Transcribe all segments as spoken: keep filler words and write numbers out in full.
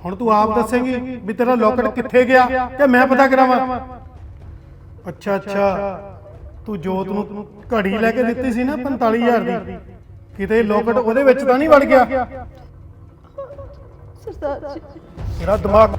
ਹੁਣ ਤੂੰ ਆਪ ਦੱਸੇਂਗੀ ਵੀ ਤੇਰਾ ਲੋਕਟ ਕਿੱਥੇ ਗਿਆ ਕਿ ਮੈਂ ਪਤਾ ਕਰਾਵਾਂ? ਅੱਛਾ ਅੱਛਾ, ਤੂੰ ਜੋਤ ਨੂੰ ਘੜੀ ਲੈ ਕੇ ਦਿੱਤੀ ਸੀ ਨਾ ਪੰਤਾਲੀ ਹਜ਼ਾਰ ਦੀ, ਕਿਤੇ ਲੋਕਟ ਉਹਦੇ ਵਿੱਚ ਤਾਂ ਨਹੀਂ ਵੜ ਗਿਆ? ਸਰਦਾਰ ਜੀ ਤੇਰਾ ਦਿਮਾਗ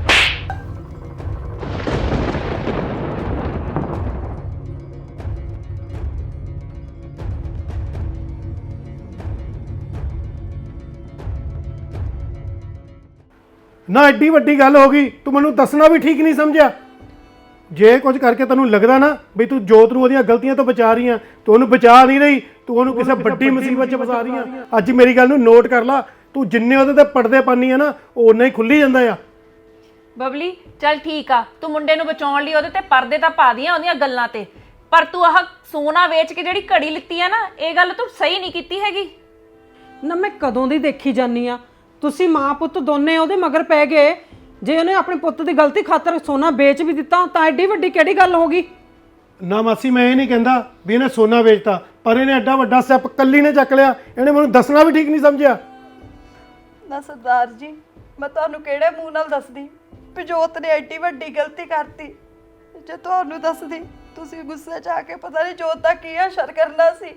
ਨਾ ਐਡੀ ਵੱਡੀ ਗੱਲ ਹੋ ਗਈ, ਤੂੰ ਮੈਨੂੰ ਦੱਸਣਾ ਵੀ ਠੀਕ ਨਹੀਂ ਸਮਝਿਆ। ਜੇ ਕੁਝ ਕਰਕੇ ਤੈਨੂੰ ਲੱਗਦਾ ਨਾ ਵੀ ਤੂੰ ਜੋਤ ਨੂੰ ਉਹਦੀਆਂ ਗਲਤੀਆਂ ਤੋਂ ਬਚਾ ਰਹੀ ਆ, ਤੂੰ ਉਹਨੂੰ ਬਚਾ ਨਹੀਂ ਰਹੀ, ਤੂੰ ਉਹਨੂੰ ਕਿਸੇ ਵੱਡੀ ਮੁਸੀਬਤ 'ਚ ਫਸਾ ਰਹੀ ਆ। ਅੱਜ ਮੇਰੀ ਗੱਲ ਨੂੰ ਨੋਟ ਕਰ ਲਾ, ਤੂੰ ਜਿੰਨੇ ਉਹਦੇ ਤੇ ਪਰਦੇ ਪਾਨੀ ਆ ਨਾ, ਉਹ ਉਨਾ ਹੀ ਖੁੱਲੀ ਜਾਂਦਾ ਆ। ਬਬਲੀ ਚੱਲ ਠੀਕ ਆ, ਤੂੰ ਮੁੰਡੇ ਨੂੰ ਬਚਾਉਣ ਲਈ ਉਹਦੇ ਤੇ ਪਰਦੇ ਤਾਂ ਪਾ ਦੀਆਂ ਉਹਦੀਆਂ ਗੱਲਾਂ ਤੇ, ਪਰ ਤੂੰ ਆਹ ਸੋਨਾ ਵੇਚ ਕੇ ਜਿਹੜੀ ਘੜੀ ਲਿੱਤੀ ਆ ਨਾ, ਇਹ ਗੱਲ ਤੂੰ ਸਹੀ ਨਹੀਂ ਕੀਤੀ ਹੈਗੀ। ਨਾ ਮੈਂ ਕਦੋਂ ਦੀ ਦੇਖੀ ਜਾਨੀ ਆ, ਤੁਸੀਂ ਮਾਂ ਪੁੱਤ ਦੋਨੇ ਉਹਦੇ ਮਗਰ ਪੈ ਗਏ। ਜੇ ਉਹਨੇ ਆਪਣੇ ਪੁੱਤ ਦੀ ਗਲਤੀ ਖਾਤਰ ਸੋਨਾ ਵੇਚ ਵੀ ਦਿੱਤਾ ਤਾਂ ਐਡੀ ਵੱਡੀ ਕਿਹੜੀ ਗੱਲ ਹੋ ਗਈ? ਨਾ ਮਾਸੀ, ਮੈਂ ਇਹ ਨਹੀਂ ਕਹਿੰਦਾ ਵੀ ਇਹਨੇ ਸੋਨਾ ਵੇਚਤਾ, ਪਰ ਇਹਨੇ ਐਡਾ ਵੱਡਾ ਸਟੈਪ ਕੱਲੀ ਨੇ ਚੱਕ ਲਿਆ, ਇਹਨੇ ਮੈਨੂੰ ਦੱਸਣਾ ਵੀ ਠੀਕ ਨਹੀਂ ਸਮਝਿਆ। ਨਾ ਸਰਦਾਰ ਜੀ, ਮੈਂ ਤੁਹਾਨੂੰ ਕਿਹੜੇ ਮੂੰਹ ਨਾਲ ਦੱਸਦੀ ਵੀ ਜੋਤ ਨੇ ਐਡੀ ਵੱਡੀ ਗਲਤੀ ਕਰਤੀ? ਜੇ ਤੁਹਾਨੂੰ ਦੱਸਦੀ ਤੁਸੀਂ ਗੁੱਸੇ 'ਚ ਆ ਕੇ ਪਤਾ ਨਹੀਂ ਜੋਤ ਦਾ ਕੀ ਅਸਰ ਕਰਨਾ ਸੀ।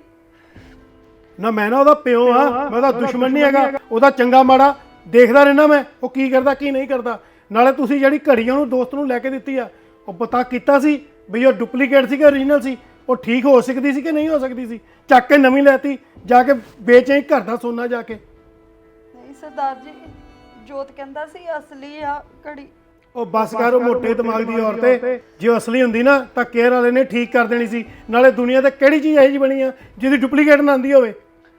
ਨਾ ਮੈਂ ਨਾ ਉਹਦਾ ਪਿਓ ਆ, ਮੈਂ ਉਹਦਾ ਦੁਸ਼ਮਣ ਨਹੀਂ ਹੈਗਾ, ਉਹਦਾ ਚੰਗਾ ਮਾੜਾ ਦੇਖਦਾ ਰਹਿਣਾ ਮੈਂ, ਉਹ ਕੀ ਕਰਦਾ ਕੀ ਨਹੀਂ ਕਰਦਾ। ਨਾਲੇ ਤੁਸੀਂ ਜਿਹੜੀ ਘੜੀ ਉਹਨੂੰ ਦੋਸਤ ਨੂੰ ਲੈ ਕੇ ਦਿੱਤੀ ਆ, ਉਹ ਪਤਾ ਕੀਤਾ ਸੀ ਵੀ ਉਹ ਡੁਪਲੀਕੇਟ ਸੀ ਕਿ ਓਰੀਜਨਲ ਸੀ? ਉਹ ਠੀਕ ਹੋ ਸਕਦੀ ਸੀ ਕਿ ਨਹੀਂ ਹੋ ਸਕਦੀ ਸੀ? ਚੱਕ ਕੇ ਨਵੀਂ ਲੈਤੀ, ਜਾ ਕੇ ਵੇਚੇ ਘਰ ਦਾ ਸੋਨਾ ਜਾ ਕੇ। ਨਹੀਂ ਸਰਦਾਰ ਜੀ, ਜੋਤ ਕਹਿੰਦਾ ਸੀ ਅਸਲੀ ਆ ਘੜੀ। ਉਹ ਬਸ ਕਰ, ਉਹ ਮੋਟੇ ਦਿਮਾਗ ਦੀ ਔਰਤ, ਜੇ ਉਹ ਅਸਲੀ ਹੁੰਦੀ ਨਾ ਤਾਂ ਕੇਅਰ ਵਾਲੇ ਨੇ ਠੀਕ ਕਰ ਦੇਣੀ ਸੀ। ਨਾਲੇ ਦੁਨੀਆ ਤੇ ਕਿਹੜੀ ਚੀਜ਼ ਇਹੋ ਜਿਹੀ ਬਣੀ ਆ ਜਿਹਦੀ ਡੁਪਲੀਕੇਟ ਨਾ ਆਉਂਦੀ ਹੋਵੇ?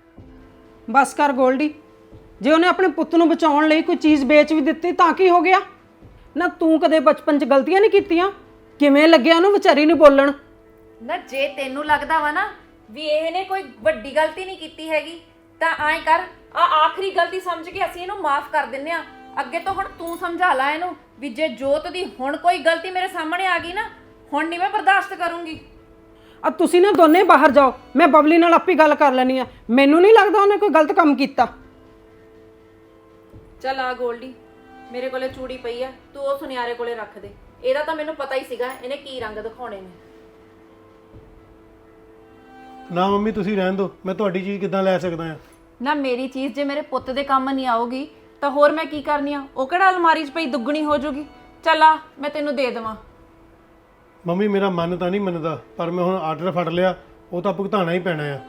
ਬਸ ਕਰ ਗੋਲਡੀ, ਜੇ ਉਹਨੇ ਆਪਣੇ ਪੁੱਤ ਨੂੰ ਬਚਾਉਣ ਲਈ ਕੋਈ ਚੀਜ਼ ਵੇਚ ਵੀ ਦਿੱਤੀ ਤਾਂ ਕੀ ਹੋ ਗਿਆ? ਨਾ ਤੂੰ ਕਦੇ ਬਚਪਨ 'ਚ ਗਲਤੀਆਂ ਨਹੀਂ ਕੀਤੀਆਂ? ਕਿਵੇਂ ਲੱਗਿਆ ਉਹਨੂੰ ਵਿਚਾਰੀ ਨੂੰ ਬੋਲਣ? ਨਾ ਜੇ ਤੈਨੂੰ ਲੱਗਦਾ ਵਾ ਨਾ ਵੀ ਇਹਨੇ ਕੋਈ ਵੱਡੀ ਗਲਤੀ ਨਹੀਂ ਕੀਤੀ ਹੈਗੀ, ਤਾਂ ਐਂ ਕਰ, ਆ ਆਖਰੀ ਗਲਤੀ ਸਮਝ ਕੇ ਅਸੀਂ ਇਹਨੂੰ ਮਾਫ ਕਰ ਦਿੰਨੇ ਆ। ਅੱਗੇ ਤੋਂ ਹੁਣ ਤੂੰ ਸਮਝਾ ਲੈ ਇਹਨੂੰ ਵੀ ਜੇ ਜੋਤ ਦੀ ਹੁਣ ਕੋਈ ਗਲਤੀ ਮੇਰੇ ਸਾਹਮਣੇ ਆ ਗਈ ਨਾ, ਹੁਣ ਨਹੀਂ ਮੈਂ ਬਰਦਾਸ਼ਤ ਕਰੂੰਗੀ। ਆ ਤੁਸੀਂ ਨਾ ਦੋਨੇ ਬਾਹਰ ਜਾਓ, ਮੈਂ ਬਬਲੀ ਨਾਲ ਆਪੇ ਗੱਲ ਕਰ ਲੈਣੀ ਆ। ਮੈਨੂੰ ਨਹੀਂ ਲੱਗਦਾ ਉਹਨੇ ਕੋਈ ਗਲਤ ਕੰਮ ਕੀਤਾ। ਚੱਲ ਆ ਗੋਲਡੀ, ਮੇਰੇ ਕੋਲੇ ਚੂੜੀ ਪਈ ਆ, ਤੂੰ ਉਹ ਸੁਨਿਆਰੇ ਕੋਲੇ ਰੱਖ ਦੇ। ਇਹਦਾ ਤਾਂ ਮੈਨੂੰ ਪਤਾ ਹੀ ਸੀਗਾ ਇਹਨੇ ਕੀ ਰੰਗ ਦਿਖਾਉਣੇ ਨੇ। ਨਾ ਮੰਮੀ, ਤੁਸੀਂ ਰਹਿਣ ਦਿਓ, ਮੈਂ ਤੁਹਾਡੀ ਚੀਜ਼ ਕਿੱਦਾਂ ਲੈ ਸਕਦਾ ਆ? ਨਾ ਮੇਰੀ ਚੀਜ਼ ਜੇ ਮੇਰੇ ਪੁੱਤ ਦੇ ਕੰਮ ਨਹੀਂ ਆਊਗੀ ਤਾਂ ਹੋਰ ਮੈਂ ਕੀ ਕਰਨੀ ਆ? ਉਹ ਕਿਹੜਾ ਅਲਮਾਰੀ 'ਚ ਪਈ ਦੁੱਗਣੀ ਹੋ ਜਾਊਗੀ? ਚੱਲ ਆ, ਮੈਂ ਤੈਨੂੰ ਦੇ ਦੇਵਾਂ। ਮੰਮੀ, ਮੇਰਾ ਮਨ ਤਾਂ ਨਹੀਂ ਮੰਨਦਾ, ਪਰ ਮੈਂ ਹੁਣ ਆਰਡਰ ਫੜ ਲਿਆ, ਉਹ ਤਾਂ ਭੁਗਤਾਉਣਾ ਹੀ ਪੈਣਾ ਆ।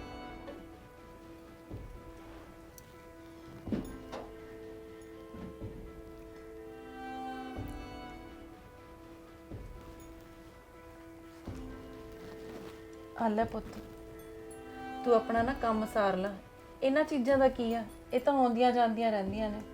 ਆ ਲੈ ਪੁੱਤ, ਤੂੰ ਆਪਣਾ ਨਾ ਕੰਮ ਸਾਰ ਲੈ। ਇਹਨਾਂ ਚੀਜ਼ਾਂ ਦਾ ਕੀ ਆ, ਇਹ ਤਾਂ ਆਉਂਦੀਆਂ ਜਾਂਦੀਆਂ ਰਹਿੰਦੀਆਂ ਨੇ।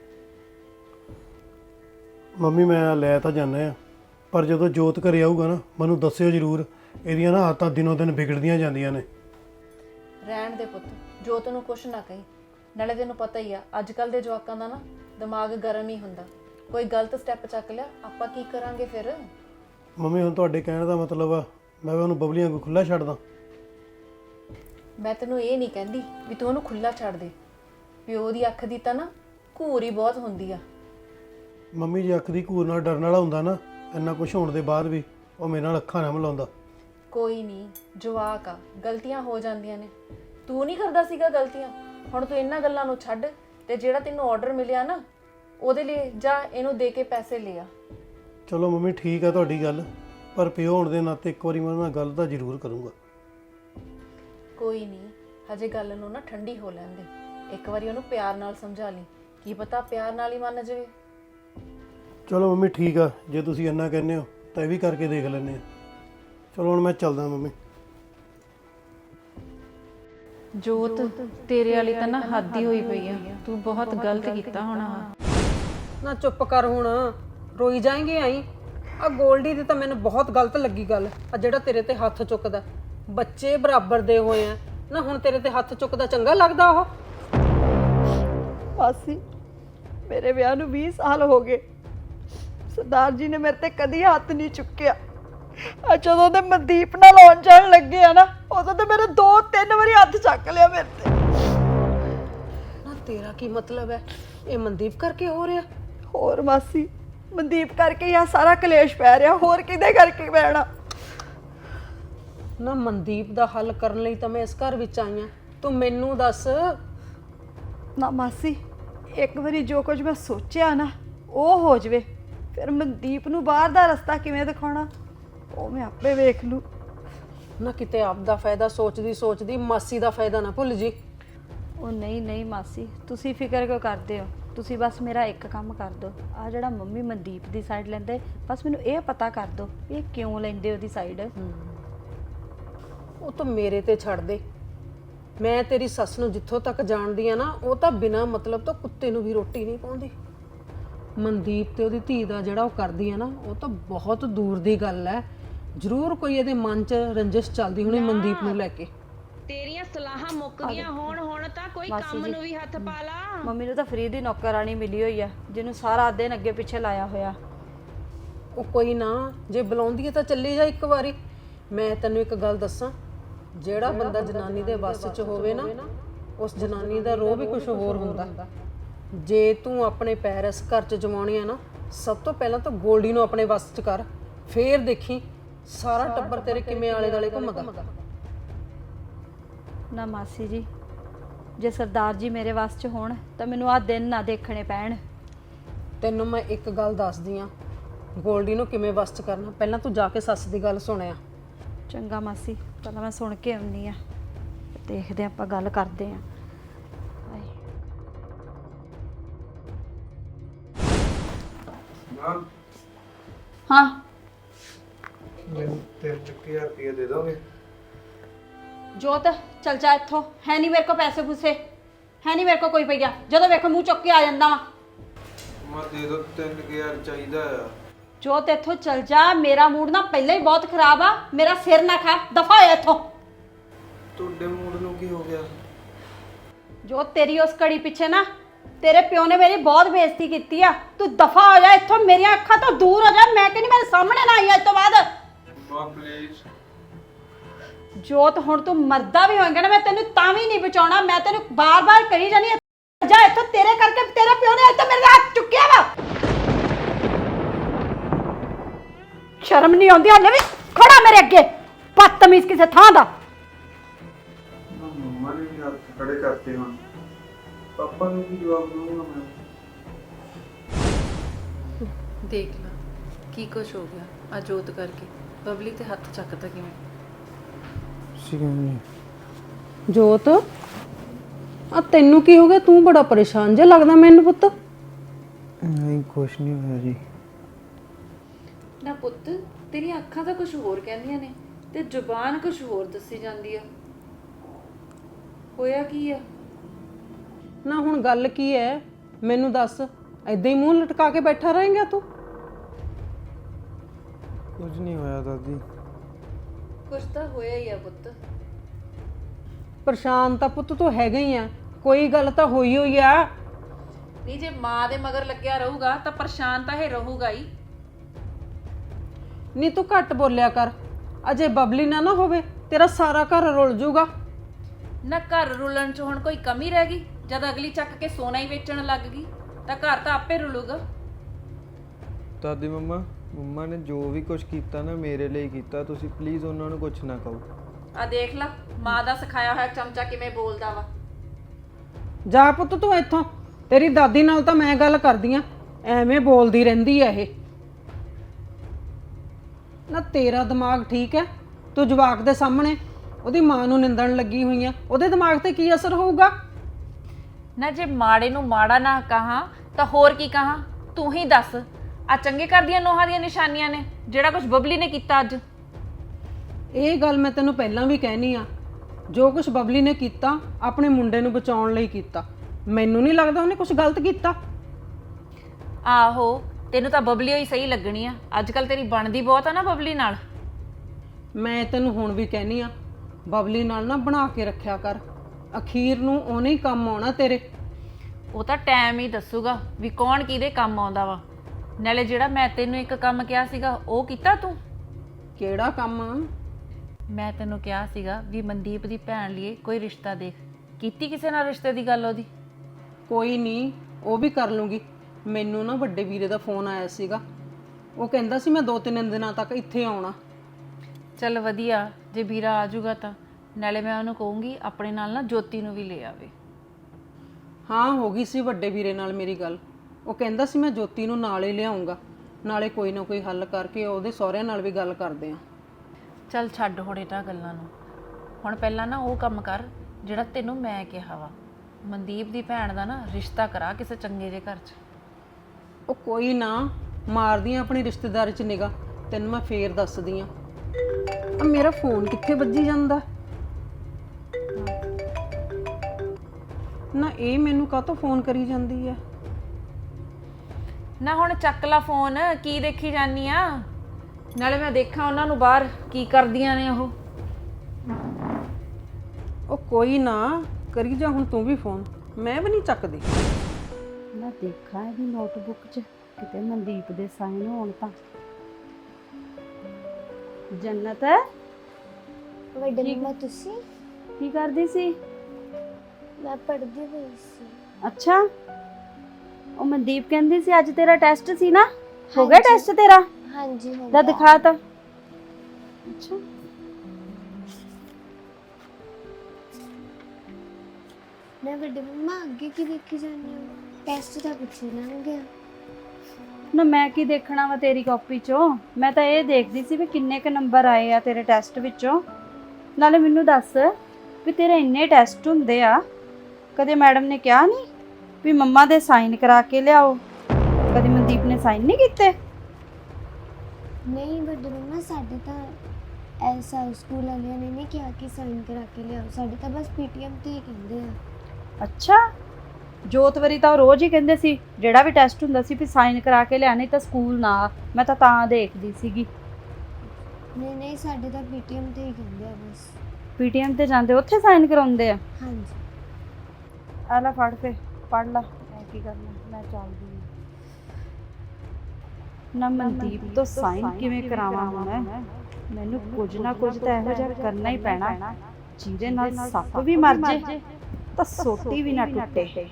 ਮੰਮੀ, ਮੈਂ ਲੈ ਤਾਂ ਜਾਣਾ ਆ, ਪਰ ਜਦੋਂ ਜੋਤ ਘਰੇ ਆਊਗਾ ਨਾ, ਮੈਨੂੰ ਦੱਸਿਓ ਜ਼ਰੂਰ। ਇਹਦੀਆਂ ਨਾ ਆਦਤਾਂ ਦਿਨੋਂ ਦਿਨ ਵਿਗੜਦੀਆਂ ਜਾਂਦੀਆਂ ਨੇ। ਰਹਿਣ ਦੇ ਪੁੱਤ, ਜੋਤ ਨੂੰ ਕੁਛ ਨਾ ਕਹੀਂ। ਨਾਲੇ ਤੈਨੂੰ ਪਤਾ ਹੀ ਆ ਅੱਜ ਕੱਲ ਦੇ ਜਵਾਕਾਂ ਦਾ ਨਾ ਦਿਮਾਗ ਗਰਮ ਹੀ ਹੁੰਦਾ। ਕੋਈ ਗਲਤ ਸਟੈਪ ਚੱਕ ਲਿਆ, ਆਪਾਂ ਕੀ ਕਰਾਂਗੇ ਫਿਰ? ਮੰਮੀ, ਹੁਣ ਤੁਹਾਡੇ ਕਹਿਣ ਦਾ ਮਤਲਬ ਆ ਮੈਂ ਉਹਨੂੰ ਬਬਲੀਆਂ ਕੋ ਖੁੱਲਾ ਛੱਡਦਾ? ਮੈਂ ਤੈਨੂੰ ਇਹ ਨਹੀਂ ਕਹਿੰਦੀ ਵੀ ਤੂੰ ਉਹਨੂੰ ਖੁੱਲਾ ਛੱਡ ਦੇ। ਪਿਓ ਦੀ ਅੱਖ ਦੀ ਤਾਂ ਨਾ ਘੂਰ ਹੀ ਬਹੁਤ ਹੁੰਦੀ ਆ। ਮੰਮੀ, ਜੇ ਅੱਖ ਦੀ ਘੂਰ ਨਾਲ ਡਰਨ ਵਾਲਾ ਹੁੰਦਾ ਨਾ, ਇੰਨਾ ਕੁਝ ਹੋਣ ਦੇ ਬਾਅਦ ਵੀ ਉਹ ਮੇਰੇ ਨਾਲ ਅੱਖਾਂ ਨਾ ਮਿਲਾਉਂਦਾ। ਕੋਈ ਨਹੀਂ, ਜਵਾਕ ਆ, ਗਲਤੀਆਂ ਹੋ ਜਾਂਦੀਆਂ ਨੇ। ਤੂੰ ਨਹੀਂ ਕਰਦਾ ਸੀਗਾ ਗਲਤੀਆਂ? ਹੁਣ ਤੂੰ ਇਹਨਾਂ ਗੱਲਾਂ ਨੂੰ ਛੱਡ ਤੇ ਜਿਹੜਾ ਤੈਨੂੰ ਆਰਡਰ ਮਿਲਿਆ ਨਾ, ਉਹਦੇ ਲਈ ਜਾ ਇਹਨੂੰ ਦੇ ਕੇ ਪੈਸੇ ਲਿਆ। ਚਲੋ ਮੰਮੀ, ਠੀਕ ਆ ਤੁਹਾਡੀ ਗੱਲ, ਪਰ ਪਿਓ ਹੋਣ ਦੇ ਨਾਤੇ ਇੱਕ ਵਾਰੀ ਮੈਂ ਉਹਨਾਂ ਨਾਲ ਗੱਲ ਤਾਂ ਜ਼ਰੂਰ ਕਰੂੰਗਾ। ਕੋਈ ਨਹੀਂ, ਹਜੇ ਗੱਲ ਨੂੰ ਨਾ ਠੰਡੀ ਹੋ ਲੈਣ ਦੇ। ਇੱਕ ਵਾਰੀ ਉਹਨੂੰ ਪਿਆਰ ਨਾਲ ਸਮਝਾ ਲਈ, ਕੀ ਪਤਾ ਪਿਆਰ ਨਾਲ ਹੀ ਮੰਨ ਜਾਵੇ। ਚਲੋ ਮੰਮੀ, ਠੀਕ ਆ, ਜੇ ਤੁਸੀਂ ਇੰਨਾ ਕਹਿੰਦੇ ਹੋ ਤਾਂ ਇਹ ਵੀ ਕਰਕੇ ਦੇਖ ਲੈਂਦੇ ਆ। ਚਲੋ ਹੁਣ ਮੈਂ ਚੱਲਦਾ ਮੰਮੀ। ਜੋਤ, ਤੇਰੇ ਵਾਲੀ ਤਾਂ ਨਾ ਹੱਦ ਹੀ ਹੋਈ ਪਈ ਆ। ਤੂੰ ਬਹੁਤ ਗਲਤ ਕੀਤਾ ਹੋਣਾ। ਨਾ ਚੁੱਪ ਕਰ ਹੁਣ, ਰੋਈ ਜਾਏਂਗੇ ਆਈ। ਆ ਗੋਲਡੀ ਦੀ ਤਾਂ ਮੈਨੂੰ ਬਹੁਤ ਗਲਤ ਲੱਗੀ ਗੱਲ, ਆ ਜਿਹੜਾ ਤੇਰੇ ਤੇ ਹੱਥ ਚੁੱਕਦਾ। ਬੱਚੇ ਬਰਾਬਰ ਦੇ ਹੋਏ ਆ ਨਾ, ਹੁਣ ਤੇਰੇ ਤੇ ਹੱਥ ਚੁੱਕਦਾ ਚੰਗਾ ਲੱਗਦਾ? ਉਹ ਮਾਸੀ, ਮੇਰੇ ਵਿਆਹ ਨੂੰ ਵੀਹ ਸਾਲ ਹੋ ਗਏ, ਸਰਦਾਰ ਜੀ ਨੇ ਮੇਰੇ ਤੇ ਕਦੀ ਹੱਥ ਨਹੀਂ ਚੁੱਕਿਆ। ਆ ਜਦੋਂ ਦੇ ਮਨਦੀਪ ਨਾਲ ਆਉਣ ਜਾਣ ਲੱਗੇ ਆ ਨਾ, ਉਦੋਂ ਤੇ ਮੇਰੇ ਦੋ ਤਿੰਨ ਵਾਰੀ ਹੱਥ ਚੱਕ ਲਿਆ ਮੇਰੇ ਤੇ। ਨਾ ਤੇਰਾ ਕੀ ਮਤਲਬ ਹੈ? ਇਹ ਮਨਦੀਪ ਕਰਕੇ ਹੋ ਰਿਹਾ? ਹੋਰ ਮਾਸੀ ਮਨਦੀਪ ਕਰਕੇ ਹੀ ਆ ਸਾਰਾ ਕਲੇਸ਼ ਪੈ ਰਿਹਾ, ਹੋਰ ਕਿਹਦੇ ਕਰਕੇ ਪੈਣਾ। ਨਾ ਮਨਦੀਪ ਦਾ ਹੱਲ ਕਰਨ ਲਈ ਤਾਂ ਮੈਂ ਇਸ ਘਰ ਵਿੱਚ ਆਈ ਆ, ਤੂੰ ਮੈਨੂੰ ਦੱਸ। ਨਾ ਮਾਸੀ, ਇੱਕ ਵਾਰੀ ਜੋ ਕੁਝ ਮੈਂ ਸੋਚਿਆ ਨਾ ਉਹ ਹੋ ਜਵੇ, ਫਿਰ ਮਨਦੀਪ ਨੂੰ ਬਾਹਰ ਦਾ ਰਸਤਾ ਕਿਵੇਂ ਦਿਖਾਉਣਾ ਉਹ ਮੈਂ ਆਪੇ ਵੇਖ ਲੂ। ਨਾ ਕਿਤੇ ਆਪ ਦਾ ਫਾਇਦਾ ਸੋਚਦੀ ਸੋਚਦੀ ਮਾਸੀ ਦਾ ਫਾਇਦਾ ਨਾ ਭੁੱਲ ਜੀ। ਉਹ ਨਹੀਂ ਨਹੀਂ ਮਾਸੀ, ਤੁਸੀਂ ਫਿਕਰ ਕਿਉਂ ਕਰਦੇ ਹੋ? ਤੁਸੀਂ ਬਸ ਮੇਰਾ ਇੱਕ ਕੰਮ ਕਰ ਦਿਓ, ਆ ਜਿਹੜਾ ਮੰਮੀ ਮਨਦੀਪ ਦੀ ਸਾਈਡ ਲੈਂਦੇ, ਬਸ ਮੈਨੂੰ ਇਹ ਪਤਾ ਕਰ ਦਿਓ ਵੀ ਇਹ ਕਿਉਂ ਲੈਂਦੇ ਉਹਦੀ ਸਾਈਡ। ਉਹ ਤਾਂ ਮੇਰੇ ਤੇ ਛੱਡ ਦੇ। ਮੈਂ ਤੇਰੀ ਸੱਸ ਨੂੰ ਜਿੱਥੋਂ ਤੱਕ ਜਾਣਦੀ ਆ ਨਾ, ਉਹ ਤਾਂ ਬਿਨਾਂ ਮਤਲਬ ਤੋਂ ਕੁੱਤੇ ਨੂੰ ਵੀ ਰੋਟੀ ਨਹੀਂ ਪਾਉਂਦੀ। ਮਨਦੀਪ ਤੇ ਉਹਦੀ ਧੀ ਦਾ ਜਿਹੜਾ ਉਹ ਕਰਦੀ ਆ ਨਾ, ਉਹ ਤਾਂ ਬਹੁਤ ਦੂਰ ਦੀ ਗੱਲ ਹੈ। ਜ਼ਰੂਰ ਕੋਈ ਇਹਦੇ ਮਨ 'ਚ ਰੰਜਿਸ਼ ਚੱਲਦੀ ਹੋਣੀ ਮਨਦੀਪ ਨੂੰ ਲੈ ਕੇ। ਤੇਰੀਆਂ ਸਲਾਹਾਂ ਮੁੱਕ ਗਈਆਂ ਹੁਣ ਹੁਣ ਤਾਂ ਕੋਈ ਕੰਮ ਨੂੰ ਵੀ ਹੱਥ ਪਾ ਲਾ। ਮੰਮੀ ਨੂੰ ਤਾਂ ਫਰੀ ਦੀ ਨੌਕਰਾਨੀ ਮਿਲੀ ਹੋਈ ਆ, ਜਿਹਨੂੰ ਸਾਰਾ ਦਿਨ ਅੱਗੇ ਪਿੱਛੇ ਲਾਇਆ ਹੋਇਆ। ਉਹ ਕੋਈ ਨਾ, ਜੇ ਬੁਲਾਉਂਦੀ ਹੈ ਤਾਂ ਚੱਲੀ ਜਾ ਇੱਕ ਵਾਰੀ। ਮੈਂ ਤੈਨੂੰ ਇੱਕ ਗੱਲ ਦੱਸਾਂ, ਜਿਹੜਾ ਬੰਦਾ ਜਨਾਨੀ ਦੇ ਵੱਸ 'ਚ ਹੋਵੇ ਨਾ, ਉਸ ਜਨਾਨੀ ਦਾ ਰੋਹ ਵੀ ਕੁਝ ਹੋਰ ਹੁੰਦਾ। ਜੇ ਤੂੰ ਆਪਣੇ ਪੈਰ ਇਸ ਘਰ 'ਚ ਜਮਾਉਣੇ ਆ ਨਾ, ਸਭ ਤੋਂ ਪਹਿਲਾਂ ਤਾਂ ਗੋਲਡੀ ਨੂੰ ਆਪਣੇ ਵੱਸ 'ਚ ਕਰ, ਫੇਰ ਦੇਖੀ ਸਾਰਾ ਟੱਬਰ ਤੇਰੇ ਕਿਵੇਂ ਆਲੇ ਦੁਆਲੇ ਘੁੰਮਦਾ। ਨਾ ਮਾਸੀ ਜੀ, ਜੇ ਸਰਦਾਰ ਜੀ ਮੇਰੇ ਵੱਸ 'ਚ ਹੋਣ ਤਾਂ ਮੈਨੂੰ ਆਹ ਦਿਨ ਨਾ ਦੇਖਣੇ ਪੈਣ। ਤੈਨੂੰ ਮੈਂ ਇੱਕ ਗੱਲ ਦੱਸਦੀ ਆ, ਗੋਲਡੀ ਨੂੰ ਕਿਵੇਂ ਵੱਸ 'ਚ ਕਰਨਾ, ਪਹਿਲਾਂ ਤੂੰ ਜਾ ਕੇ ਸੱਸ ਦੀ ਗੱਲ ਸੁਣਿਆ। ਚੰਗਾ ਮਾਸੀ, ਪਹਿਲਾਂ ਮੈਂ ਸੁਣ ਕੇ ਆਉਂਦੀ ਆ, ਦੇਖਦੇ ਆਪਾਂ ਗੱਲ ਕਰਦੇ ਆ। ਹਾਂ ਮੈਨੂੰ ਤਿੰਨ ਹਜ਼ਾਰ ਰੁਪਏ ਦੇ ਦੋਗੇ? ਜੋਤ ਚਲ ਜਾ ਇੱਥੋਂ, ਹੈ ਨਹੀਂ ਮੇਰੇ ਕੋ ਪੈਸੇ ਪੂਸੇ, ਹੈ ਨਹੀਂ ਮੇਰੇ ਕੋ ਕੋਈ ਪਈਆ, ਜਦੋਂ ਵੇਖੋ ਮੂੰਹ ਚੁੱਕ ਕੇ ਆ ਜਾਂਦਾ ਵਾ। ਮੈਂ ਦੇ ਦੋ ਤਿੰਨ ਹਜ਼ਾਰ ਚਾਹੀਦਾ ਆ। ਜੋਤ ਇੱਥੋਂ ਚਲ ਜਾ, ਮੇਰਾ ਮੂਡ ਨਾ ਪਹਿਲਾਂ ਹੀ ਬਹੁਤ ਖਰਾਬ ਆ, ਮੇਰਾ ਸਿਰ ਨਾ ਖਾ, ਦਫਾ ਹੋਇਆ ਇੱਥੋਂ। ਤੁਹਾਡੇ ਮੂਡ ਨੂੰ ਕੀ ਹੋ ਗਿਆ? ਜੋ ਤੇਰੀ ਉਸ ਕੜੀ ਪਿੱਛੇ ਨਾ ਤੇਰੇ ਪਿਓ ਨੇ ਮੇਰੀ ਬਹੁਤ ਬੇਇੱਜ਼ਤੀ ਕੀਤੀ ਆ, ਤੂੰ ਦਫਾ ਹੋ ਜਾ ਇੱਥੋਂ, ਮੇਰੀਆਂ ਅੱਖਾਂ ਤੋਂ ਦੂਰ ਹੋ ਜਾ। ਮੈਂ ਕਹਿੰਦੀ ਮੇਰੇ ਸਾਹਮਣੇ ਨਾ ਆਈ ਅੱਜ ਤੋਂ ਬਾਅਦ। ਮਾਂ ਪਲੀਜ਼। ਜੋਤ ਹੁਣ ਤੂੰ ਮਰਦਾ ਵੀ ਹੋਏਗਾ ਨਾ, ਮੈਂ ਤੈਨੂੰ ਤਾਂ ਵੀ ਨਹੀਂ ਬਚਾਉਣਾ। ਮੈਂ ਤੈਨੂੰ ਬਾਰ-ਬਾਰ ਕਹੀ ਜਾਨੀ ਜਾ ਇੱਥੋਂ, ਤੇਰੇ ਕਰਕੇ ਤੇਰੇ ਪਿਓ ਨੇ ਅੱਜ ਤਾਂ ਮੇਰੇ ਹੱਥ ਚੁੱਕਿਆ ਵਾ। ਸ਼ਰਮ ਨਹੀਂ ਆਉਂਦੀ ਹਲੇ ਵੀ ਖੜਾ ਮੇਰੇ ਅੱਗੇ, ਬਦਤਮੀਜ਼ ਕਿਸੇ ਥਾਂ ਦਾ। ਮੰਮਾ ਨੇ ਵੀ ਹੱਥ ਖੜੇ ਕਰਤੇ ਹੁਣ, ਪਾਪਾ ਨੂੰ ਕੀ ਜਵਾਬ ਦਊਂਗਾ ਮੈਂ? ਦੇਖ ਲਾ ਕੀ ਕੁਛ ਹੋ ਗਿਆ ਆ ਜੋਤ ਕਰਕੇ, ਬਬਲੀ ਤੇ ਹੱਥ ਚੱਕਦਾ ਕਿਵੇਂ। ਜੋਤ ਆ ਤੈਨੂੰ ਕੀ ਹੋ ਗਿਆ? ਤੂੰ ਬੜਾ ਪਰੇਸ਼ਾਨ ਜਿਹਾ ਲੱਗਦਾ ਮੈਨੂੰ ਪੁੱਤ। ਨਹੀਂ ਕੁਛ ਨਹੀਂ ਹੋਇਆ ਜੀ। ਨਾ ਪੁੱਤ, ਤੇਰੀਆਂ ਅੱਖਾਂ ਤਾਂ ਕੁਝ ਹੋਰ ਕਹਿੰਦੀਆਂ ਨੇ ਤੇ ਜ਼ੁਬਾਨ ਕੁਝ ਹੋਰ ਦੱਸੀ ਜਾਂਦੀ ਆ। ਹੋਇਆ ਕੀ ਆ? ਨਾ ਹੁਣ ਗੱਲ ਕੀ ਹੈ ਮੈਨੂੰ ਦੱਸ, ਐਦਾਂ ਹੀ ਮੂੰਹ ਲਟਕਾ ਕੇ ਬੈਠਾ ਰਹੇਂਗਾ ਤੂੰ? ਕੁਝ ਨਹੀਂ ਹੋਇਆ ਦਾਦੀ। ਕੁਝ ਤਾਂ ਹੋਇਆ ਹੀ ਆ ਪੁੱਤ। ਪਰੇਸ਼ਾਨ ਤਾਂ ਪੁੱਤ ਤੂੰ ਹੈਗਾ ਹੀ ਆ, ਕੋਈ ਗੱਲ ਤਾਂ ਹੋਈ ਹੋਈ ਆ। ਨਹੀਂ ਜੇ ਮਾਂ ਦੇ ਮਗਰ ਲੱਗਿਆ ਰਹੂਗਾ ਤਾਂ ਪਰੇਸ਼ਾਨ ਤਾਂ ਇਹ ਰਹੂਗਾ ਹੀ। ਨਹੀਂ ਤੂੰ ਘੱਟ ਬੋਲਿਆ ਕਰ, ਅਜੇ ਬਬਲੀ ਨਾ ਨਾ ਹੋਵੇ ਤੇਰਾ ਸਾਰਾ ਘਰ ਰੁਲ ਜਾਊਗਾ। ਨਾ ਘਰ ਰੁਲਣ 'ਚ ਹੁਣ ਕੋਈ ਕਮੀ ਰਹਿ ਗਈ? ਜਦ ਅਗਲੀ ਚੱਕ ਕੇ ਸੋਨਾ ਹੀ ਵੇਚਣ ਲੱਗ ਗਈ ਤਾਂ ਘਰ ਤਾਂ ਆਪੇ ਰੁਲੂਗਾ। ਦਾਦੀ ਮੰਮਾ ਮੰਮਾ ਨੇ ਜੋ ਵੀ ਕੁਝ ਕੀਤਾ ਨਾ ਮੇਰੇ ਲਈ ਕੀਤਾ, ਤੁਸੀਂ ਪਲੀਜ਼ ਉਹਨਾਂ ਨੂੰ ਕੁਝ ਨਾ ਕਹੋ। ਆ ਦੇਖ ਲਾ ਮਾਂ ਦਾ ਸਿਖਾਇਆ ਹੋਇਆ ਚਮਚਾ ਕਿਵੇਂ ਬੋਲਦਾ ਵਾ। ਜਾ ਪੁੱਤ ਤੂੰ ਇੱਥੋਂ, ਤੇਰੀ ਦਾਦੀ ਨਾਲ ਤਾਂ ਮੈਂ ਗੱਲ ਕਰਦੀ ਆ, ਐਵੇਂ ਬੋਲਦੀ ਰਹਿੰਦੀ ਆ ਇਹ। ਨਾ ਤੇਰਾ ਦਿਮਾਗ ਠੀਕ ਹੈ? ਤੂੰ ਜਵਾਕ ਦੇ ਸਾਹਮਣੇ ਉਹਦੀ ਮਾਂ ਨੂੰ ਨਿੰਦਣ ਲੱਗੀ ਹੋਈ ਆ, ਉਹਦੇ ਦਿਮਾਗ ਤੇ ਕੀ ਅਸਰ ਹੋਊਗਾ? ਨਾ ਜੇ ਮਾੜੇ ਨੂੰ ਮਾੜਾ ਨਾ ਕਹਾਂ ਤਾਂ ਹੋਰ ਕੀ ਕਹਾਂ? ਤੂੰ ਹੀ ਦੱਸ। ਆ ਚੰਗੇ ਘਰ ਦੀਆਂ ਨੋਹਾਂ ਦੀਆਂ ਨਿਸ਼ਾਨੀਆਂ ਨੇ ਜਿਹੜਾ ਕੁਝ ਬਬਲੀ ਨੇ ਕੀਤਾ ਅੱਜ। ਇਹ ਗੱਲ ਮੈਂ ਤੈਨੂੰ ਪਹਿਲਾਂ ਵੀ ਕਹਿਣੀ ਆ, ਜੋ ਕੁਝ ਬਬਲੀ ਨੇ ਕੀਤਾ ਆਪਣੇ ਮੁੰਡੇ ਨੂੰ ਬਚਾਉਣ ਲਈ ਕੀਤਾ। ਮੈਨੂੰ ਨਹੀਂ ਲੱਗਦਾ ਉਹਨੇ ਕੁਝ ਗਲਤ ਕੀਤਾ। ਆਹੋ ਤੈਨੂੰ ਤਾਂ ਬਬਲੀ ਹੋਈ ਸਹੀ ਲੱਗਣੀ ਆ, ਅੱਜ ਕੱਲ ਤੇਰੀ ਬਣਦੀ ਬਹੁਤ ਆ ਨਾ ਬਬਲੀ ਨਾਲ। ਮੈਂ ਤੈਨੂੰ ਹੁਣ ਵੀ ਕਹਿਣੀ ਆ, ਬਬਲੀ ਨਾਲ ਨਾ ਬਣਾ ਕੇ ਰੱਖਿਆ ਕਰ, ਅਖੀਰ ਨੂੰ ਉਹਨੇ ਹੀ ਕੰਮ ਆਉਣਾ ਤੇਰੇ। ਉਹ ਤਾਂ ਟਾਈਮ ਹੀ ਦੱਸੂਗਾ ਵੀ ਕੌਣ ਕਿਹਦੇ ਕੰਮ ਆਉਂਦਾ ਵਾ। ਨਾਲੇ ਜਿਹੜਾ ਮੈਂ ਤੈਨੂੰ ਇੱਕ ਕੰਮ ਕਿਹਾ ਸੀਗਾ ਉਹ ਕੀਤਾ ਤੂੰ? ਕਿਹੜਾ ਕੰਮ? ਮੈਂ ਤੈਨੂੰ ਕਿਹਾ ਸੀਗਾ ਵੀ ਮਨਦੀਪ ਦੀ ਭੈਣ ਲਈ ਕੋਈ ਰਿਸ਼ਤਾ ਦੇਖ, ਕੀਤੀ ਕਿਸੇ ਨਾਲ ਰਿਸ਼ਤੇ ਦੀ ਗੱਲ ਉਹਦੀ? ਕੋਈ ਨਹੀਂ, ਉਹ ਵੀ ਕਰ ਲੂੰਗੀ। ਮੈਨੂੰ ਨਾ ਵੱਡੇ ਵੀਰੇ ਦਾ ਫੋਨ ਆਇਆ ਸੀਗਾ। ਉਹ ਕਹਿੰਦਾ ਸੀ ਮੈਂ ਦੋ ਤਿੰਨ ਦਿਨਾਂ ਤੱਕ ਇੱਥੇ ਆਉਣਾ। ਚੱਲ ਵਧੀਆ, ਜੇ ਵੀਰਾ ਆ ਜਾਊਗਾ ਤਾਂ ਨਾਲੇ ਮੈਂ ਉਹਨੂੰ ਕਹੂੰਗੀ ਆਪਣੇ ਨਾਲ ਨਾ ਜੋਤੀ ਨੂੰ ਵੀ ਲੈ ਆਵੇ। ਹਾਂ, ਹੋ ਗਈ ਸੀ ਵੱਡੇ ਵੀਰੇ ਨਾਲ ਮੇਰੀ ਗੱਲ। ਉਹ ਕਹਿੰਦਾ ਸੀ ਮੈਂ ਜੋਤੀ ਨੂੰ ਨਾਲ ਹੀ ਲਿਆਉਂਗਾ, ਨਾਲੇ ਕੋਈ ਨਾ ਕੋਈ ਹੱਲ ਕਰਕੇ ਉਹਦੇ ਸਹੁਰਿਆਂ ਨਾਲ ਵੀ ਗੱਲ ਕਰਦੇ ਆ। ਚੱਲ ਛੱਡ ਹੁਣ ਇਹਨਾਂ ਗੱਲਾਂ ਨੂੰ। ਹੁਣ ਪਹਿਲਾਂ ਨਾ ਉਹ ਕੰਮ ਕਰ ਜਿਹੜਾ ਤੈਨੂੰ ਮੈਂ ਕਿਹਾ ਵਾ। ਮਨਦੀਪ ਦੀ ਭੈਣ ਦਾ ਨਾ ਰਿਸ਼ਤਾ ਕਰਾ ਕਿਸੇ ਚੰਗੇ ਜਿਹੇ ਘਰ 'ਚ। ਉਹ ਕੋਈ ਨਾ, ਮਾਰਦੀ ਆ ਆਪਣੀ ਰਿਸ਼ਤੇਦਾਰੀ 'ਚ ਨਿਗਾਹ, ਤੈਨੂੰ ਮੈਂ ਫੇਰ ਦੱਸਦੀ ਆ। ਆ ਮੇਰਾ ਫੋਨ ਕਿੱਥੇ ਵੱਜੀ ਜਾਂਦਾ ਨਾ? ਇਹ ਮੈਨੂੰ ਕਾਹਤੋਂ ਫੋਨ ਕਰੀ ਜਾਂਦੀ ਆ? ਨਾ ਹੁਣ ਚੱਕ ਲਾ ਫੋਨ, ਕੀ ਦੇਖੀ ਜਾਨੀ ਆ? ਨਾਲੇ ਮੈਂ ਦੇਖਾਂ ਉਹਨਾਂ ਨੂੰ ਬਾਹਰ ਕੀ ਕਰਦੀਆਂ ਨੇ ਉਹ। ਉਹ ਕੋਈ ਨਾ, ਕਰੀ ਜਾ ਹੁਣ ਤੂੰ ਵੀ ਫੋਨ, ਮੈਂ ਵੀ ਨਹੀਂ ਚੱਕਦੀ। ਮੈਂ ਦੇਖਾਂ ਇਹਦੀ ਨੋਟਬੁੱਕ 'ਚ ਕਿਤੇ ਮਨਦੀਪ ਦੇ ਸਾਈਨ ਹੋਣ ਤਾਂ। ਜੰਨਤ ਵੱਡੇ ਮੰਮਾ ਤੁਸੀਂ? ਕੀ ਕਰਦੀ ਸੀ? ਮੈਂ ਪੜ੍ਹਦੀ ਹੋਈ ਸੀ। ਅੱਛਾ, ਉਹ ਮਨਦੀਪ ਕਹਿੰਦੀ ਸੀ ਅੱਜ ਤੇਰਾ ਟੈਸਟ ਸੀ ਨਾ, ਹੋ ਗਿਆ ਟੈਸਟ ਤੇਰਾ? ਹਾਂਜੀ ਹੋ ਦਾ ਗਿਆ। ਦਿਖਾ ਤਾਂ। ਅੱਛਾ, ਨਾ ਵੱਡੇ ਮੰਮਾ ਅੱਗੇ ਕੀ ਦੇਖੀ ਜਾਂਦੇ ਹੋ? ਟੈਸਟ ਤਾਂ ਪਿੱਛੇ ਲੰਘ ਗਿਆ। ਨਾ ਮੈਂ ਕੀ ਦੇਖਣਾ ਵਾ ਤੇਰੀ ਕਾਪੀ 'ਚੋਂ? ਮੈਂ ਤਾਂ ਇਹ ਦੇਖਦੀ ਸੀ ਵੀ ਕਿੰਨੇ ਕ ਨੰਬਰ ਆਏ ਆ ਤੇਰੇ ਟੈਸਟ ਵਿੱਚੋਂ। ਨਾਲੇ ਮੈਨੂੰ ਦੱਸ ਵੀ ਤੇਰੇ ਇੰਨੇ ਟੈਸਟ ਹੁੰਦੇ ਆ, ਕਦੇ ਮੈਡਮ ਨੇ ਕਿਹਾ ਨਹੀਂ ਵੀ ਮੰਮਾ ਦੇ ਸਾਈਨ ਕਰਾ ਕੇ ਲਿਆਓ? ਕਦੇ ਮਨਦੀਪ ਨੇ ਸਾਈਨ ਨਹੀਂ ਕੀਤੇ? ਨਹੀਂ ਵੱਡੇ ਮੰਮਾ, ਸਾਡੇ ਤਾਂ ਐਸਾ ਸਕੂਲ ਵਾਲਿਆਂ ਨੇ ਨਹੀਂ ਕਿਹਾ ਕਿ ਸਾਈਨ ਕਰਾ ਕੇ ਲਿਆਓ। ਸਾਡੇ ਤਾਂ ਬਸ ਪੀਟੀਐਮ ਤੇ ਹੀ ਕਹਿੰਦੇ ਆ। ਅੱਛਾ, ਜੋਤਵਰੀ ਤਾਂ ਉਹ ਰੋਜ਼ ਹੀ ਕਹਿੰਦੇ ਸੀ ਜਿਹੜਾ ਵੀ ਟੈਸਟ ਹੁੰਦਾ ਸੀ ਵੀ ਸਾਈਨ ਕਰਾ ਕੇ ਲਿਆਣੀ ਤਾਂ ਸਕੂਲ ਨਾ ਆ। ਮੈਂ ਤਾਂ ਤਾਂ ਦੇਖਦੀ ਸੀਗੀ। ਨਹੀਂ ਨਹੀਂ, ਸਾਡੇ ਤਾਂ ਪੀਟੀਐਮ ਤੇ ਹੀ ਕਹਿੰਦੇ ਆ ਬਸ। ਪੀਟੀਐਮ ਤੇ ਜਾਂਦੇ ਉੱਥੇ ਸਾਈਨ ਕਰਾਉਂਦੇ ਆ? ਹਾਂਜੀ। ਆ ਲੈ ਫੜ ਕੇ ਪੜ ਲਾ, ਮੈਂ ਕੀ ਕਰਨਾ, ਮੈਂ ਚੱਲਦੀ ਹਾਂ। ਨਾ ਮਨਦੀਪ ਤੋਂ ਸਾਈਨ ਕਿਵੇਂ ਕਰਾਵਾਂ ਹੁਣ? ਮੈਨੂੰ ਕੁਝ ਨਾ ਕੁਝ ਤਾਂ ਇਹੋ ਜਿਹਾ ਕਰਨਾ ਹੀ ਪੈਣਾ ਜਿਹਦੇ ਨਾਲ ਸੱਪ ਵੀ ਮਰ ਜੇ ਤਾਂ ਸੋਟੀ ਵੀ ਨਾ ਟੁੱਟੇ।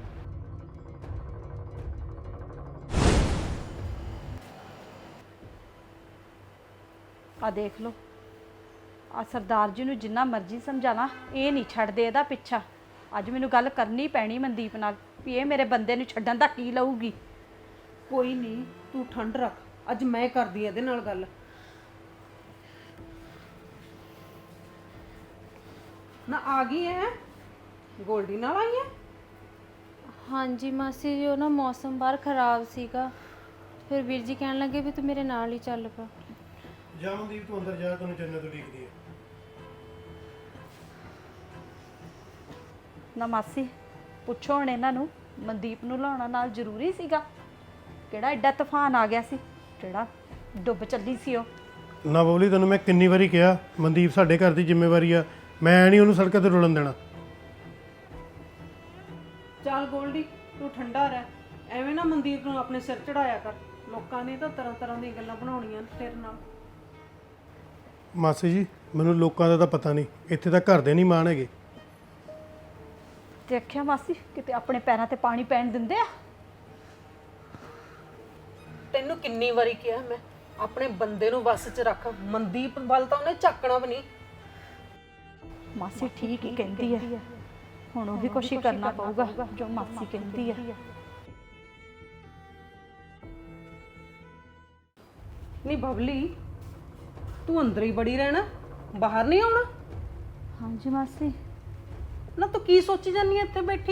ਆ ਦੇਖ ਲਓ, ਆ ਸਰਦਾਰ ਜੀ ਨੂੰ ਜਿੰਨਾ ਮਰਜ਼ੀ ਸਮਝਾਣਾ ਇਹ ਨਹੀਂ ਛੱਡਦੇ ਇਹਦਾ ਪਿੱਛਾ। ਅੱਜ ਮੈਨੂੰ ਗੱਲ ਕਰਨੀ ਪੈਣੀ ਮਨਦੀਪ ਨਾਲ ਵੀ ਇਹ ਮੇਰੇ ਬੰਦੇ ਨੂੰ ਛੱਡਣ ਦਾ ਕੀ ਲਊਗੀ। ਕੋਈ ਨਹੀਂ, ਤੂੰ ਠੰਡ ਰੱਖ, ਅੱਜ ਮੈਂ ਕਰਦੀ ਇਹਦੇ ਨਾਲ ਗੱਲ। ਨਾ ਆ ਗਈ ਹੈ ਗੋਲਡੀ ਨਾਲ ਆਈ ਹੈ? ਹਾਂਜੀ ਮਾਸੀ ਜੀ, ਉਹ ਨਾ ਮੌਸਮ ਬਾਹਰ ਖਰਾਬ ਸੀਗਾ, ਫਿਰ ਵੀਰ ਜੀ ਕਹਿਣ ਲੱਗੇ ਵੀ ਤੂੰ ਮੇਰੇ ਨਾਲ ਹੀ ਚੱਲ ਪਾ। ਜਾ ਮਨਦੀਪ, ਤੂੰ ਅੰਦਰ ਜਾ, ਤੈਨੂੰ ਜੰਨਤ ਉਡੀਕਦੀ ਹੈ। ਨਾ ਮਾਸੀ ਪੁੱਛੋ ਹੁਣ ਇਹਨਾਂ ਨੂੰ, ਮਨਦੀਪ ਨੂੰ ਲਾਉਣਾ ਨਾਲ ਜ਼ਰੂਰੀ ਸੀਗਾ? ਕਿਹੜਾ ਐਡਾ ਤੂਫਾਨ ਆ ਗਿਆ ਸੀ ਜਿਹੜਾ ਡੁੱਬ ਚੱਲੀ ਸੀ ਉਹ? ਨਾ ਬੋਲੀ, ਤੈਨੂੰ ਮੈਂ ਕਿੰਨੀ ਵਾਰੀ ਕਿਹਾ ਮਨਦੀਪ ਸਾਡੇ ਘਰ ਦੀ ਜ਼ਿੰਮੇਵਾਰੀ ਆ, ਮੈਂ ਨਹੀਂ ਉਹਨੂੰ ਸੜਕਾਂ ਤੇ ਰੁਲਣ ਦੇਣਾ। ਚੱਲ ਗੋਲਡੀ, ਤੂੰ ਠੰਡਾ ਰਹਿ, ਐਵੇਂ ਨਾ ਮਨਦੀਪ ਨੂੰ ਆਪਣੇ ਸਿਰ ਚੜਾਇਆ ਕਰ। ਲੋਕਾਂ ਨੇ ਤਾਂ ਤਰ੍ਹਾਂ ਤਰ੍ਹਾਂ ਦੀਆਂ ਗੱਲਾਂ ਬਣਾਉਣੀਆਂ ਤੇਰੇ ਨਾਲ। ਮਾਸੀ ਜੀ, ਮੈਨੂੰ ਲੋਕਾਂ ਦਾ ਤਾਂ ਪਤਾ ਨਹੀਂ, ਇੱਥੇ ਤਾਂ ਘਰ ਦੇ ਨਹੀਂ ਮਾਣ ਹੈਗੇ। ਦੇਖਿਆ ਮਾਸੀ, ਕਿਤੇ ਆਪਣੇ ਪੈਰਾਂ ਤੇ ਪਾਣੀ ਪੈਣ ਦਿੰਦੇ ਆ? ਤੈਨੂੰ ਕਿੰਨੀ ਵਾਰੀ ਕਿਹਾ ਮੈਂ, ਆਪਣੇ ਬੰਦੇ ਨੂੰ ਵੱਸ 'ਚ ਰੱਖ। ਮਨਦੀਪ ਵੱਲ ਤਾਂ ਉਹਨੇ ਝਾਕਣਾ ਵੀ ਨਹੀਂ। ਮਾਸੀ ਠੀਕ ਹੀ ਕਹਿੰਦੀ ਹੈ, ਹੁਣ ਉਹ ਵੀ ਕੁਛ ਹੀ ਕਰਨਾ ਪਊਗਾ ਜੋ ਮਾਸੀ ਕਹਿੰਦੀ ਹੈ। ਨਹੀਂ ਬਬਲੀ, ਤੂੰ ਅੰਦਰ ਹੀ ਬੜੀ ਰਹਿਣਾ, ਬਾਹਰ ਨਹੀਂ ਆਉਣਾ? ਹਾਂਜੀ ਮਾਸੀ। ਨਾ ਤੂੰ ਕੀ ਸੋਚੀ ਜਾਂਦੀ ਹੈ ਇੱਥੇ ਬੈਠੀ?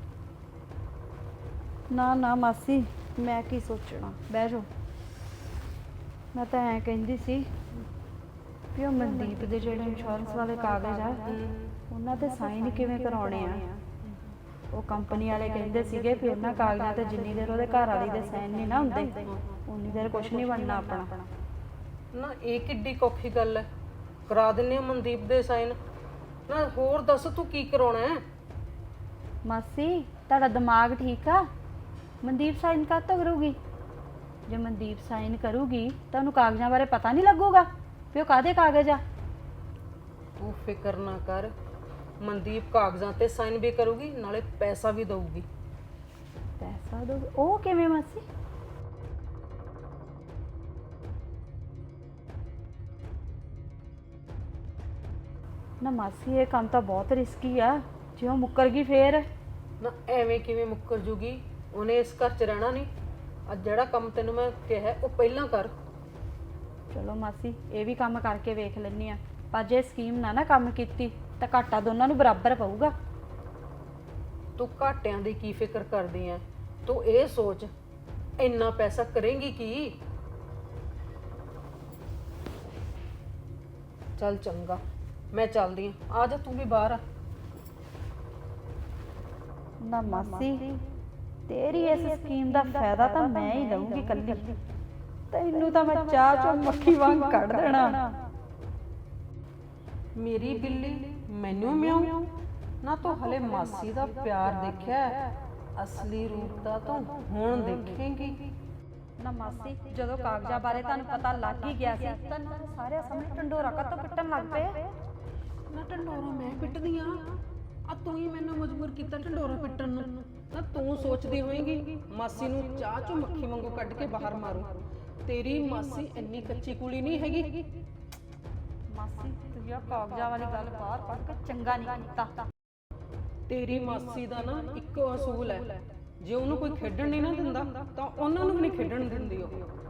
ਨਾ ਨਾ ਮਾਸੀ, ਮੈਂ ਕੀ ਸੋਚਣਾ, ਬਹਿ ਜਾਓ। ਮੈਂ ਤਾਂ ਐਂ ਕਹਿੰਦੀ ਸੀ ਵੀ ਉਹ ਮਨਦੀਪ ਦੇ ਜਿਹੜੇ ਇੰਸ਼ੋਰੈਂਸ ਵਾਲੇ ਕਾਗਜ਼ ਆ ਉਹਨਾਂ ਤੇ ਸਾਈਨ ਕਿਵੇਂ ਕਰਾਉਣੇ ਆ? ਉਹ ਕੰਪਨੀ ਵਾਲੇ ਕਹਿੰਦੇ ਸੀਗੇ ਵੀ ਉਹਨਾਂ ਕਾਗਜ਼ਾਂ ਤੇ ਜਿੰਨੀ ਦੇਰ ਉਹਦੇ ਘਰ ਵਾਲੀ ਦੇ ਸਾਈਨ ਨਹੀਂ ਨਾ ਹੁੰਦੇ ਉਨੀ ਦੇਰ ਕੁਝ ਨਹੀਂ ਬਣਨਾ ਆਪਣਾ। ਨਾ ਇਹ ਕਿੱਡੀ ਔਖੀ ਗੱਲ ਹੈ, ਕਰਾ ਦਿੰਨੇ ਆ ਮਨਦੀਪ ਦੇ ਸਾਈਨ। ਨਾ ਹੋਰ ਦੱਸ ਤੂੰ ਕੀ ਕਰਾਉਣਾ ਹੈ? ਮਾਸੀ ਤੁਹਾਡਾ ਦਿਮਾਗ ਠੀਕ ਆ? ਮਨਦੀਪ ਸਾਈਨ ਕਾਹਤੋਂ ਕਰੂਗੀ? ਜੇ ਮਨਦੀਪ ਸਾਈਨ ਕਰੂਗੀ ਤਾਂ ਉਹਨੂੰ ਕਾਗਜ਼ਾਂ ਬਾਰੇ ਪਤਾ ਨਹੀਂ ਲੱਗੂਗਾ ਵੀ ਉਹ ਕਾਹਦੇ ਕਾਗਜ਼ ਆ? ਤੂੰ ਫਿਕਰ ਨਾ ਕਰ, ਮਨਦੀਪ ਕਾਗਜ਼ਾਂ ਤੇ ਸਾਈਨ ਵੀ ਕਰੂਗੀ ਨਾਲੇ ਪੈਸਾ ਵੀ ਦਊਗੀ। ਪੈਸਾ ਦੋ ਉਹ ਕਿਵੇਂ ਮਾਸੀ? ਨਾ ਮਾਸੀ ਇਹ ਕੰਮ ਤਾਂ ਬਹੁਤ ਰਿਸਕੀ ਆ, ਜੇ ਉਹ ਮੁੱਕਰ ਗਈ ਫੇਰ? ਨਾ ਐਵੇਂ ਕਿਵੇਂ ਮੁੱਕਰ ਜੂਗੀ? ਉਹਨੇ ਇਸ ਘਰ 'ਚ ਰਹਿਣਾ ਨਹੀਂ। ਅੱਜ ਜਿਹੜਾ ਕੰਮ ਤੈਨੂੰ ਮੈਂ ਕਿਹਾ ਉਹ ਪਹਿਲਾਂ ਕਰ। ਚਲੋ ਮਾਸੀ ਇਹ ਵੀ ਕੰਮ ਕਰਕੇ ਵੇਖ ਲੈਂਦੀ ਆ, ਪਰ ਜੇ ਸਕੀਮ ਨਾ ਨਾ ਕੰਮ ਕੀਤੀ ਤਾਂ ਘਾਟਾ ਦੋਨਾਂ ਨੂੰ ਬਰਾਬਰ ਪਊਗਾ। ਤੂੰ ਘਾਟਿਆਂ ਦੀ ਕੀ ਫਿਕਰ ਕਰਦੀ ਐ? ਤੂੰ ਇਹ ਸੋਚ ਇੰਨਾ ਪੈਸਾ ਕਰੇਂਗੀ ਕੀ? ਚੱਲ ਚੰਗਾ, ਮੈਂ ਚੱਲਦੀ ਆਂ। ਆ ਜਾ ਤੂੰ ਵੀ ਬਾਹਰ ਆ। ਨਾ ਮਾਸੀ ਤੇਰੀ ਇਸ ਸਕੀਮ ਦਾ ਫਾਇਦਾ ਤਾਂ ਮੈਂ ਹੀ ਲਵਾਂਗੀ ਕੱਲੀ, ਤੈਨੂੰ ਤਾਂ ਮੈਂ ਚਾਹ ਚੋਂ ਮੱਖੀ ਵਾਂਗ ਕੱਢ ਦੇਣਾ। ਮੇਰੀ ਬਿੱਲੀ ਮੈਨੂੰ ਮਿਆਉ ਨਾ। ਤੂੰ ਹਲੇ ਮਾਸੀ ਦਾ ਪਿਆਰ ਦੇਖਿਆ ਹੈ, ਅਸਲੀ ਰੂਪ ਤਾਂ ਤੂੰ ਹੁਣ ਦੇਖੇਂਗੀ। ਨਾ ਮਾਸੀ ਜਦੋਂ ਕਾਗਜ਼ਾਂ ਬਾਰੇ ਤੁਹਾਨੂੰ ਪਤਾ ਲੱਗ ਹੀ ਗਿਆ ਸੀ ਤਾਂ ਸਾਰੇ ਸਾਹਮਣੇ ਢੰਡੋਰਾ ਕੱਤੋਂ ਪਿੱਟਣ ਲੱਗ ਪਏ। ਨਾ ਢੰਡੋਰਾ ਮੈਂ ਪਿੱਟਦੀ ਆ? ਆ ਤੂੰ ਹੀ ਮੈਨੂੰ ਮਜਬੂਰ ਕੀਤਾ ਢੰਡੋਰਾ ਪਿੱਟਣ ਨੂੰ। ਨਾ ਤੂੰ ਸੋਚਦੀ ਹੋਏਂਗੀ ਮਾਸੀ ਨੂੰ ਚਾਹ ਚੋਂ ਮੱਖੀ ਵਾਂਗੂ ਕੱਢ ਕੇ ਬਾਹਰ ਮਾਰੂ। ਤੇਰੀ ਮਾਸੀ ਇੰਨੀ ਕੱਚੀ ਕੁਲੀ ਨਹੀਂ ਹੈਗੀ। ਮਾਸੀ ਤੁਸੀਂ ਆ ਕਾਗਜ਼ਾਂ ਵਾਲੀ ਗੱਲ ਬਾਹਰ ਕੱਢ ਕੇ ਚੰਗਾ ਨਹੀਂ ਕੀਤਾ। ਤੇਰੀ ਮਾਸੀ ਦਾ ਨਾ ਇੱਕੋ ਅਸੂਲ ਹੈ, ਜੇ ਉਹਨੂੰ ਕੋਈ ਖੇਡਣ ਨਹੀਂ ਨਾ ਦਿੰਦਾ ਤਾਂ ਉਹਨਾਂ ਨੂੰ ਵੀ ਨਹੀਂ ਖੇਡਣ ਦਿੰਦੀ ਉਹ।